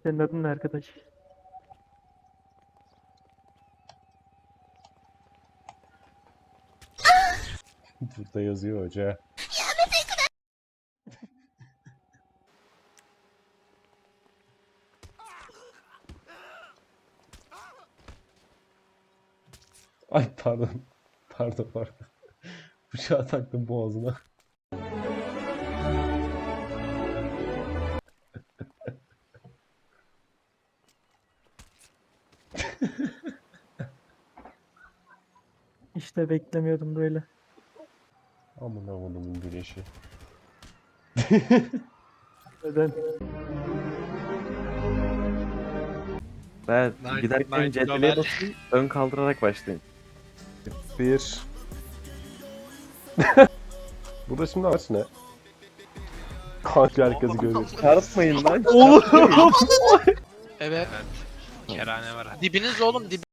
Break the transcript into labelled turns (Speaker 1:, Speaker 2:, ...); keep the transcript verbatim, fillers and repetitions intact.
Speaker 1: Senin adın ne arkadaş?
Speaker 2: Burada yazıyor hoca. Ay pardon. Pardon pardon. Bıçağı taktım boğazına.
Speaker 1: İşte beklemiyordum böyle.
Speaker 2: Aman amanımın güneşi.
Speaker 1: Neden?
Speaker 3: Ben
Speaker 4: Night-
Speaker 3: giderken
Speaker 4: Night
Speaker 3: cetveliye
Speaker 4: Lover.
Speaker 3: basayım, ön kaldırarak başlayın.
Speaker 2: Bir. Burada şimdi amaç ne? Kanka herkesi görüyor.
Speaker 3: Çarpmayın lan.
Speaker 4: Evet. Kerane var. Dibiniz oğlum dib.